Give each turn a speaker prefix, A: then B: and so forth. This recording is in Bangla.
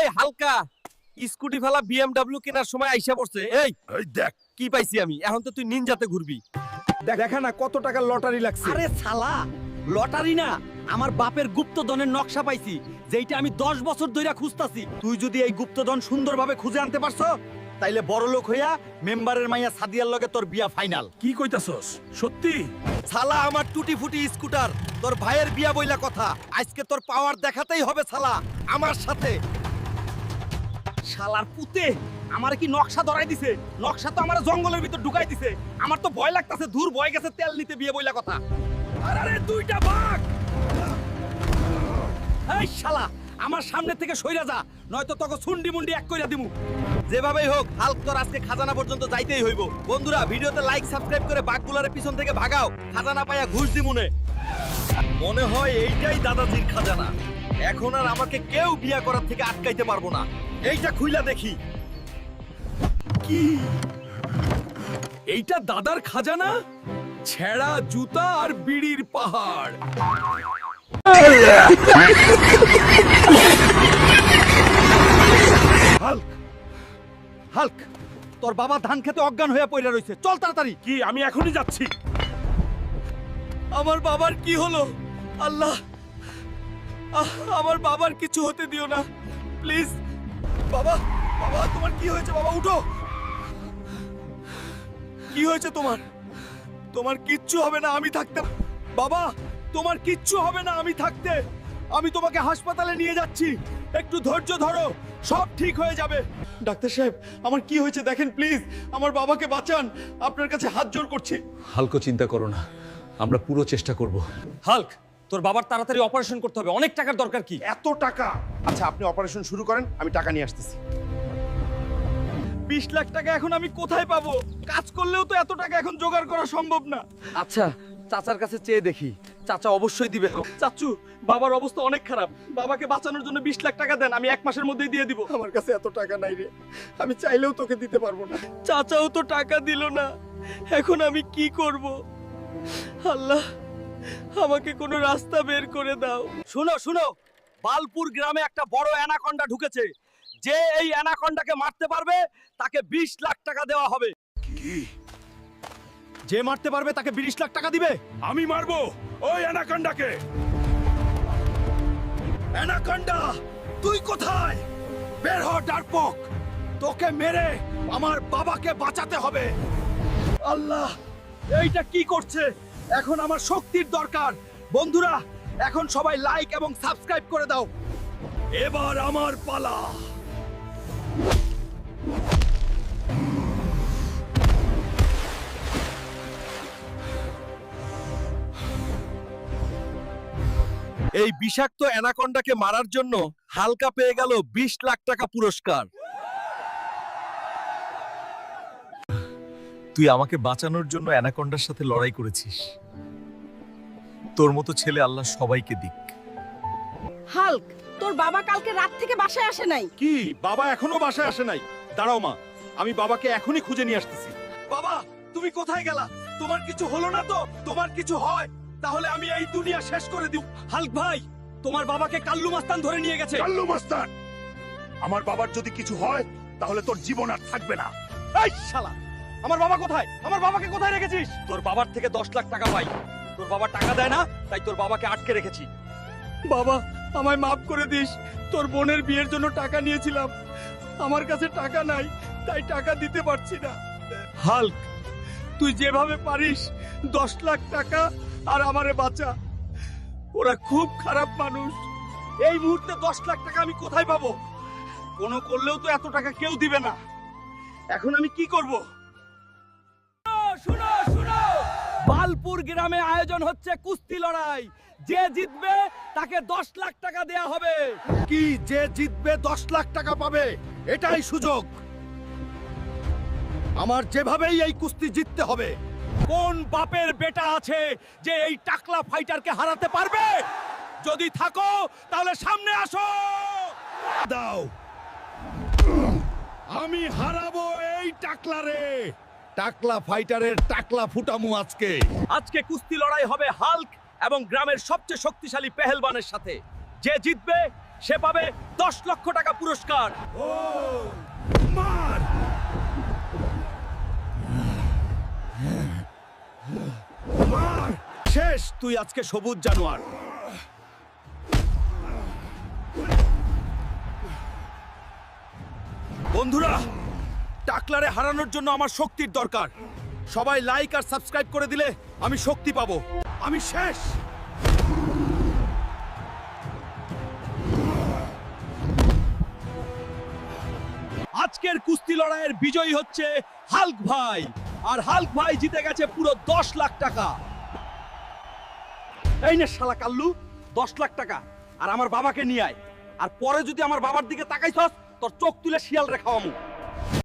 A: হালকা স্কুটি ফেলা বিএমডব্লিউ কেনার সময় আইসা পড়ছে। এই দেখ কি পাইছি আমি, এখন তো তুই নিনজাতে ঘুরবি।
B: দেখা না কত টাকার লটারি লাগছে।
C: আরে শালা, লটারি না, আমার বাপের গুপ্তধনের নকশা পাইছি, যেইটা আমি 10 বছর ধইরা খুঁজতাছি। তুই যদি এই গুপ্তধন সুন্দরভাবে খুঁজে আনতে পারছো, তাইলে বড় লোক হইয়া মেম্বারের মাইয়া সাদিয়ার লগে তোর বিয়া ফাইনাল।
B: কি কইতাছস? সত্যি?
A: শালা আমার টুটি ফুটি স্কুটার, তোর ভাইয়ের বিয়া বইলা কথা। আজকে তোর পাওয়ার দেখাতেই হবে শালা আমার সাথে।
C: শালার পুতে আমার কি নকশা ধরাই দিছে? নকশা তো আমার জঙ্গলের ভিতর ঢুকাই দিছে। আমার তো ভয় লাগতাছে, দূর ভয় গেছে তেল নিতে বিয়ে বইলা কথা। আরে দুইটা বাঘ! এই শালা, আমার সামনে থেকে সইরা যা, নয়তো তোকে সুন্ডি মুন্ডি এক কইরা দিমু।
A: যেভাবেই হোক হাল্ক তোর আজকে খাজানা পর্যন্ত যাইতেই হইব। বন্ধুরা ভিডিওতে লাইক সাবস্ক্রাইব করে বাঘগুলারে পিছন থেকে ভাগাও, খাজানা পাইয়া ঘুষ দিমুনে। মনে হয় এইটাই দাদাজির খাজানা। এখন আর আমাকে কেউ বিয়া করার থেকে আটকাইতে পারবো না। এইটা খুইলা দেখি।
B: কি এইটা দাদার খাজানা? ছেঁড়া জুতা আর বিড়ির পাহাড়।
C: হাল্ক, হাল্ক, তোর বাবা ধান খেতে অজ্ঞান হয়ে পড়ে রইছে, চল তাড়াতাড়ি।
B: কি আমি এখনই যাচ্ছি।
A: আমার বাবার কি হলো? আল্লাহ, আমার বাবার কিছু হতে দিও না প্লিজ। বাবা, বাবা তোমার কি হয়েছে? বাবা উঠো। কি হয়েছে তোমার? তোমার কিচ্ছু হবে না আমি থাকতে। বাবা তোমার কিচ্ছু হবে না আমি থাকতে। আমি তোমাকে হাসপাতালে নিয়ে যাচ্ছি, একটু ধৈর্য ধরো, সব ঠিক হয়ে যাবে। ডাক্তার সাহেব আমার কি হয়েছে দেখেন প্লিজ, আমার বাবাকে বাঁচান, আপনার কাছে হাত জোড় করছি।
B: হালকা চিন্তা করো না, আমরা পুরো চেষ্টা করব।
C: হাল্ক, তোর বাবার তাড়াতাড়ি অপারেশন করতে হবে, অনেক টাকার দরকার। কি
D: এত টাকা? আচ্ছা আপনি অপারেশন শুরু করেন, আমি টাকা নিয়ে আসতেছি।
A: 20 লাখ টাকা এখন আমি কোথায় পাবো? কাজ করলেও তো এত টাকা এখন জোগাড় করা সম্ভব না।
C: আচ্ছা, চাচার কাছে চেয়ে দেখি, চাচা অবশ্যই দিবে।
A: চাচু বাবার অবস্থা অনেক খারাপ, বাবাকে বাঁচানোর জন্য 20 লাখ টাকা দেন, আমি 1 মাসের মধ্যেই দিয়ে দিব।
D: আমার কাছে এত টাকা নাই রে, আমি চাইলেও তোকে দিতে পারবো না।
A: চাচাও তো টাকা দিল না, এখন আমি কি করব? আল্লাহ আমাকে কোনো রাস্তা বের করে দাও। শুনো শুনো, বালপুর গ্রামে একটা বড় অ্যানাকন্ডা ঢুকেছে। যে এই অ্যানাকন্ডাকে মারতে পারবে তাকে 20 লাখ টাকা দেওয়া হবে।
B: কি?
A: যে মারতে পারবে তাকে 20 লাখ টাকা দিবে।
B: আমি মারবো ওই অ্যানাকন্ডাকে।
A: অ্যানাকন্ডা তুই কোথায়? বের হ ডার্কপক, তোকে মেরে আমার বাবাকে বাঁচাতে হবে। আল্লাহ এইটা কি করছে? এখন আমার শক্তির দরকার। বন্ধুরা এখন সবাই লাইক এবং সাবস্ক্রাইব করে দাও।
B: এবার আমার পালা।
A: এই বিষাক্ত অ্যানাকন্ডাকে মারার জন্য হালকা পেয়ে গেল 20 লাখ টাকা পুরস্কার। তুই আমাকে বাঁচানোর জন্য অ্যানাকন্ডার সাথে লড়াই করেছিস। তোর মতো ছেলে আল্লাহ সবাইকে দিক।
E: হাল্ক, তোর বাবা কালকে রাত থেকে বাসায় আসে নাই।
D: কি বাবা এখনো বাসায় আসে নাই? দাঁড়াও মা, আমি বাবাকে এখনই খুঁজে নিয়ে আসতেছি।
A: বাবা তুমি কোথায় গেলা? তোমার কিছু হলো না তো? তোমার কিছু হয় তাহলে আমি এই দুনিয়া শেষ করে দিব।
C: হাল্ক ভাই, তোমার বাবাকে কাল্লু মাস্তান ধরে নিয়ে গেছে।
B: কাল্লু মাস্তান, আমার বাবার যদি কিছু হয় তাহলে তোর জীবন আর থাকবে না।
C: এই শালা, আমার বাবা কোথায়? আমার বাবাকে কোথায় রেখেছিস? তোর বাবার থেকে 10 লাখ টাকা পাই, তোর বাবা টাকা দেয় না, তাই তোর বাবাকে আটকে রেখেছি।
A: বাবা আমায় মাফ করে দিস, তোর বোনের বিয়ের জন্য টাকা নিয়েছিলাম, আমার কাছে টাকা নাই তাই টাকা দিতে পারছি না। হাল্ক তুই যেভাবে পারিস 10 লাখ টাকা আর আমারে বাঁচা। ওরা খুব খারাপ মানুষ। এই মুহূর্তে 10 লাখ টাকা আমি কোথায় পাবো? কোনো করলেও তো এত টাকা কেউ দিবে না। এখন আমি কি করব?
C: শুনো শুনো, বালপুর গ্রামে আয়োজন হচ্ছে কুস্তি লড়াই। যে জিতবে তাকে 10 লাখ টাকা দেয়া হবে।
A: কি যে জিতবে 10 লাখ টাকা পাবে? এটাই সুযোগ। আমার যেভাবেই এই কুস্তি জিততে হবে। কোন বাপের বেটা আছে যে এই টাকলা ফাইটারকে হারাতে পারবে? যদি থাকো তাহলে সামনে আসো।
B: দাও, আমি হারাবো এই টাকলারে।
A: টাকলা ফাইটারের টাকলা ফুটামু আজকে। আজকে কুস্তি লড়াই হবে হাল্ক এবং গ্রামের সবচেয়ে শক্তিশালী পেহেলবানের সাথে। যে জিতবে
C: সে পাবে 10 লক্ষ টাকা পুরস্কার।
B: মার! মার!
C: শেষ, তুই আজকে সবুজ জানোয়ার। বন্ধুরা, টাকলারে হারানোর জন্য আমার শক্তির দরকার। সবাই লাইক আর সাবস্ক্রাইব করে দিলে আমি শক্তি পাবো। আমি শেষ। আজকের কুস্তি লড়াইয়ের বিজয়ী হচ্ছে হাল্ক ভাই, আর হাল্ক ভাই জিতে গেছে পুরো 10 লাখ টাকা। এই নে শালা কাল্লু, 10 লাখ টাকা, আর আমার বাবাকে নিয়ে আয়। আর পরে যদি আমার বাবার দিকে তাকাইছস, তোর চোখ তুলে শিয়াল রে খাওয়ামু।